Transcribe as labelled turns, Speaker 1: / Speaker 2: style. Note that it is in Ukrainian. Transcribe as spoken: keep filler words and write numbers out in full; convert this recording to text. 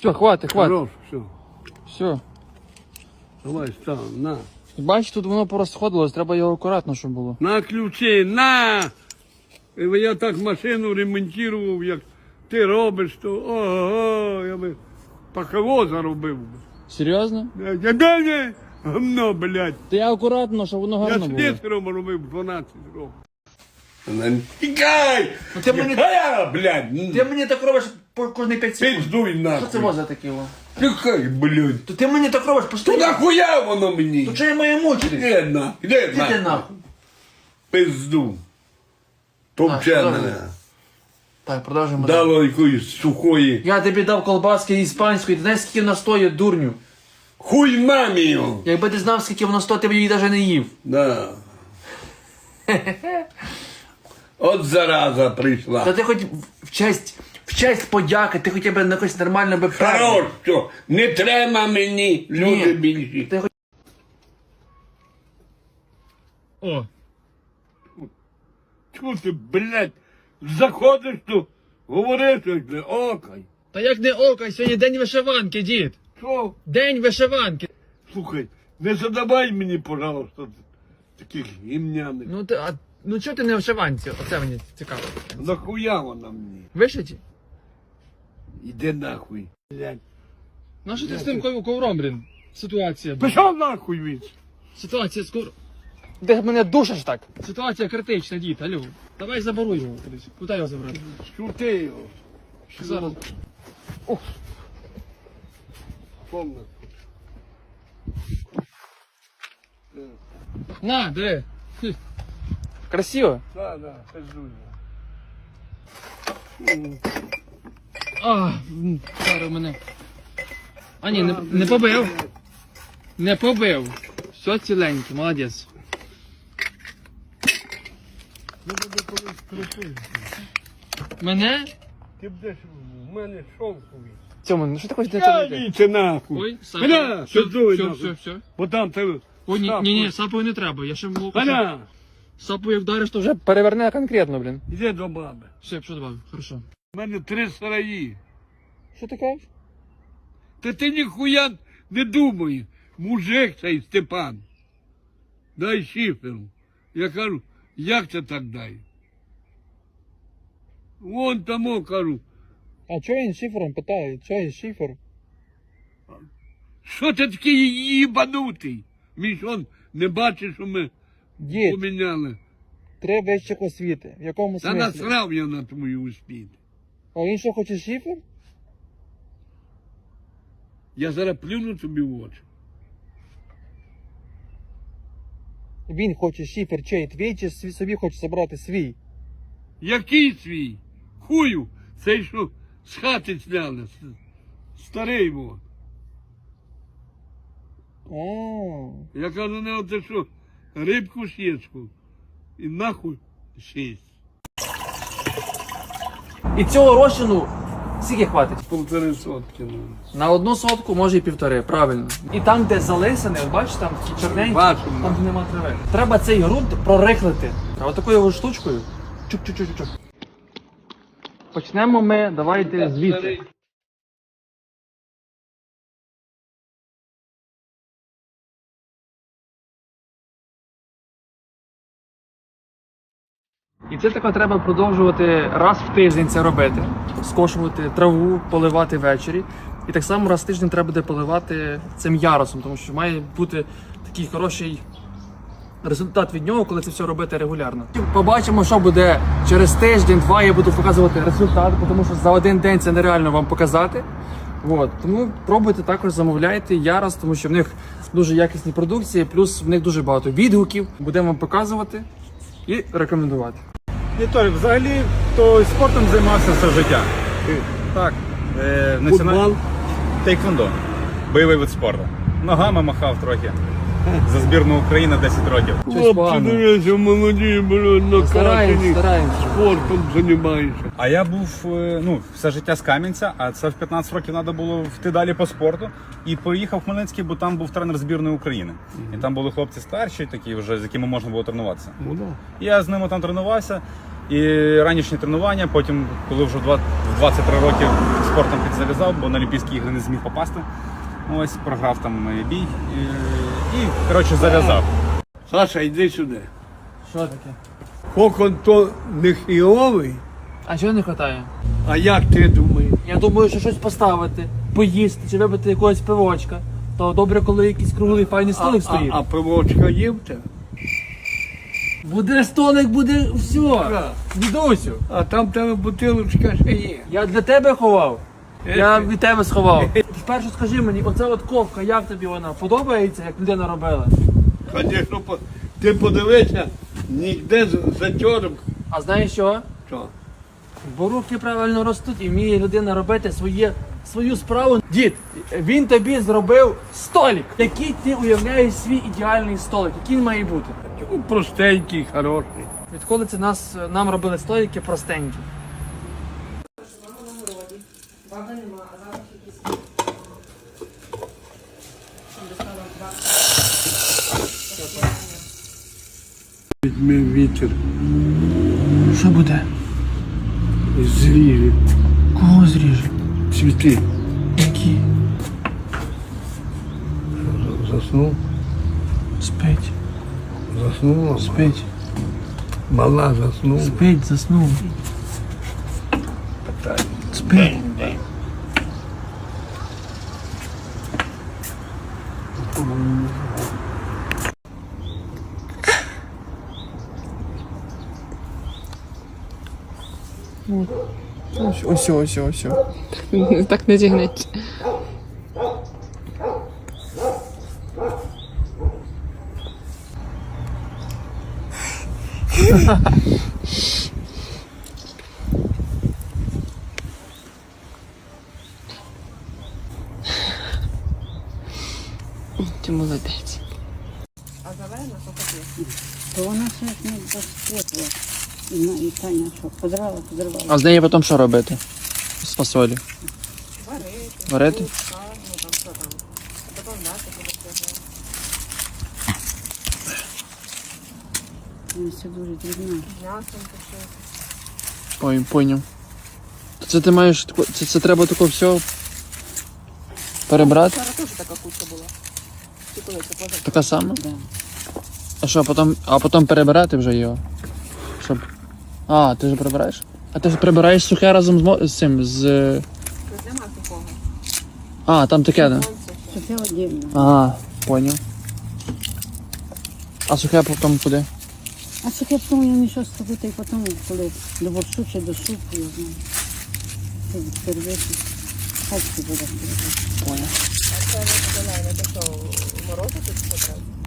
Speaker 1: Все, хватить, хватить.
Speaker 2: Хорош, все.
Speaker 1: Все.
Speaker 2: Давай, став, на.
Speaker 1: Бачиш, тут воно порозходилось, треба його акуратно, щоб було.
Speaker 2: На ключі, на! І я так машину ремонтував, як ти робиш, то ого, я би пахово заробив. би.
Speaker 1: Серйозно?
Speaker 2: Я дай гамно, блядь.
Speaker 1: Та я акуратно, щоб воно
Speaker 2: Я
Speaker 1: гарно було.
Speaker 2: слесарем робив дванадцять років. Тікай!
Speaker 1: Ну, ти мені-
Speaker 2: Тікай, блядь!
Speaker 1: Ти мені так робиш по кожні п'ять секунд.
Speaker 2: Пиздуй нахуй.
Speaker 1: Що це може таке? О?
Speaker 2: Тікай, блядь.
Speaker 1: То ти мені так робиш
Speaker 2: То
Speaker 1: постійно.
Speaker 2: нахуя воно мені?
Speaker 1: То чого я маю мучитись?
Speaker 2: Іди нахуй, іди
Speaker 1: Іди ти нахуй.
Speaker 2: Пизду.
Speaker 1: Так,
Speaker 2: Топче
Speaker 1: добре.
Speaker 2: мене.
Speaker 1: Так, продовжуємо. далі.
Speaker 2: Дало якоїсь сухої.
Speaker 1: Я тобі дав колбаски іспанської, ти знаєш, скільки вона стоїть, дурню?
Speaker 2: Хуй мамі його.
Speaker 1: Якби ти знав, скільки воно стоїть, ти б її навіть не їв.
Speaker 2: Да. От зараза прийшла.
Speaker 1: Та ти хоч в честь, в честь подяки, ти хоча б на якось нормально би
Speaker 2: Хорош, що не треба мені, люди
Speaker 1: Ні.
Speaker 2: більші.
Speaker 1: Ти хоч... О,
Speaker 2: Чого ти, блядь, заходиш тут, говориш, що окай.
Speaker 1: та як не око, сьогодні день вишиванки, дід.
Speaker 2: Що?
Speaker 1: День вишиванки.
Speaker 2: Слухай, не задавай мені, пожалуйста, таких гімняних.
Speaker 1: Ну ти, а, ну чого ти не в вишиванці? Оце мені цікаво.
Speaker 2: Нахуя вона мені?
Speaker 1: Вишиті?
Speaker 2: Іди нахуй, блядь.
Speaker 1: Ну що ти з тим ков- ковром, блін? Ситуація.
Speaker 2: Пішов нахуй від.
Speaker 1: Ситуація скоро. Де мене душиш так? Ситуація критична, дід, алло. Давай заборуй його кудись. Куди його забрати?
Speaker 2: Шути його.
Speaker 1: Зараз.
Speaker 2: Помни.
Speaker 1: На, диви. Хм. Красиво.
Speaker 2: Да, да, пиздуй.
Speaker 1: А, м, зараз мене. А ні, не, не побив. Не побив. Все ціленьке, молодець. Мене?
Speaker 2: Ти будеш в мене шовковий.
Speaker 1: Цьому, ну що ти хочеш
Speaker 2: Я
Speaker 1: для цього?
Speaker 2: віце нахуй.
Speaker 1: Ой, сапою.
Speaker 2: Бля,
Speaker 1: Все,
Speaker 2: пиздуй
Speaker 1: все,
Speaker 2: нахуй.
Speaker 1: все, все.
Speaker 2: Бо там ти...
Speaker 1: Ой, ні, ні, ні, сапою не треба, я ще можу.
Speaker 2: Аля,
Speaker 1: Сапою вдариш, то вже переверне конкретно, блін.
Speaker 2: іди до баби.
Speaker 1: Все, що добавив, хорошо.
Speaker 2: У мене три сараї.
Speaker 1: Що ти кажеш?
Speaker 2: Та ти ніхуя не думай. Мужик цей Степан. Дай шиферу. Я кажу, як це так дай? Вон тому кажу,
Speaker 1: А чого він шифером питає? Чого він шифер?
Speaker 2: що ти такий їбанутий? Мій ж он не бачиш, що ми
Speaker 1: Дід,
Speaker 2: поміняли.
Speaker 1: треба вищих освіти. В якому
Speaker 2: Та
Speaker 1: смислі?
Speaker 2: насрав я на твою успіх.
Speaker 1: А він що хоче шифер?
Speaker 2: Я зараз плюну тобі в очі.
Speaker 1: Він хоче шифер чей твій, чи свій- собі хоче забрати свій?
Speaker 2: Який свій? Хую, цей що з хати зняли. с- Старий вот.
Speaker 1: А,
Speaker 2: Я кажу, не оце що, рибку сєчку. І нахуй шість.
Speaker 1: І цього розчину скільки хватить?
Speaker 2: Полтори сотки. Ну.
Speaker 1: На одну сотку, може і півтори, правильно. І там, де залисане, от бачиш, там ті чорненькі,
Speaker 2: Бачимо.
Speaker 1: там де нема трави. Треба цей ґрунт прорихлити. А отакою його штучкою. Чук-чук-чук-чук. Почнемо ми, давайте звідси. І це таке треба продовжувати раз в тиждень це робити. Скошувати траву, поливати ввечері. І так само раз в тиждень треба буде поливати цим ярусом, тому що має бути такий хороший результат від нього, коли це все робити регулярно. Побачимо, що буде через тиждень-два, я буду показувати результат, тому що за один день це нереально вам показати. От. Тому пробуйте також, замовляйте ярус, тому що в них дуже якісні продукції, плюс в них дуже багато відгуків. Будемо вам показувати і рекомендувати.
Speaker 3: Віталій, взагалі, то спортом займався все життя. Так, е, національний
Speaker 2: Футбол.
Speaker 3: тейквондо. Бойовий вид спорту. Ногами махав трохи. За збірну України десять років.
Speaker 1: Щось
Speaker 2: Хлопці,
Speaker 1: погано.
Speaker 2: дивіться, молоді, блядь,
Speaker 1: Стараємось,
Speaker 2: накачані.
Speaker 1: стараємось.
Speaker 2: Спортом займаєшся.
Speaker 3: А я був е, ну, все життя з Кам'янця, а це в п'ятнадцять років треба було йти далі по спорту. І поїхав в Хмельницький, бо там був тренер збірної України. І там були хлопці старші, такі вже, з якими можна було тренуватися.
Speaker 2: Ну, да.
Speaker 3: Я з ними там тренувався. І ранішні тренування, потім, коли вже в два- в двадцять три роки спортом підзав'язав, бо на Олімпійські ігри не зміг попасти. Ось, програв там бій і, і коротше, зав'язав.
Speaker 2: Саша, йди сюди.
Speaker 1: Що таке?
Speaker 2: Кокон то не хіровий,
Speaker 1: А чого не вистачає?
Speaker 2: а як ти думаєш?
Speaker 1: Я думаю, що щось поставити, поїсти чи випити якогось пивочка. То добре, коли якийсь круглий файний
Speaker 2: А,
Speaker 1: столик
Speaker 2: а,
Speaker 1: стоїть.
Speaker 2: а пивочка є в тебе?
Speaker 1: Буде столик, буде все. Дідусю,
Speaker 2: А там в тебе бутилочка ще є.
Speaker 1: я для тебе ховав. Я від тебе сховав. Спершу скажи мені, оця от ковка, як тобі вона? Подобається, як людина робила?
Speaker 2: Звісно, по- ти подивися, ніде з- затьором.
Speaker 1: А знаєш що?
Speaker 2: Що?
Speaker 1: Бо руки правильно ростуть і вміє людина робити своє, свою справу. Дід, він тобі зробив столик. Який ти уявляєш свій ідеальний столик? Який він має бути?
Speaker 2: Ну, простенький, хороший.
Speaker 1: Відколи це нас, нам робили столики простенькі?
Speaker 2: Візьми вітер
Speaker 1: Що буде?
Speaker 2: і зріже
Speaker 1: Кого зріже?
Speaker 2: цвіти.
Speaker 1: Які?
Speaker 2: Заснув,
Speaker 1: Спить.
Speaker 2: заснула.
Speaker 1: Спить.
Speaker 2: Мала заснула.
Speaker 1: Спить, заснув. Спить. Ось, ось, ось, ось.
Speaker 4: Так не зігнеться. Ти молодець.
Speaker 5: То вона ще ж не розквітла. І на- І Таня що, позрала, позривала.
Speaker 1: А з неї потім що робити? З фасолі? Варити. Варити?
Speaker 5: Вона все дуже дрібна.
Speaker 1: Ой, поняв. То це ти маєш тако- це, це треба тако все перебрати?
Speaker 4: Вчора теж така куча була. Чи коли це поза?
Speaker 1: Така сама?
Speaker 5: Да.
Speaker 1: А що, потім, а потім перебирати вже його? Щоб... А, ти ж прибираєш? А ти ж прибираєш сухе разом з, мо- з цим, з...
Speaker 4: Тут нема такого.
Speaker 1: А, там таке, да?
Speaker 5: Це все отдельно.
Speaker 1: А, поняв. А сухе потім куди?
Speaker 5: А це я потім я мішав з тобою, і потім, коли до борщу чи до супу, я знаю. Це перевести. Хай це буде.
Speaker 1: Поняв.
Speaker 4: А це не зелене, це що, морозити чи що треба?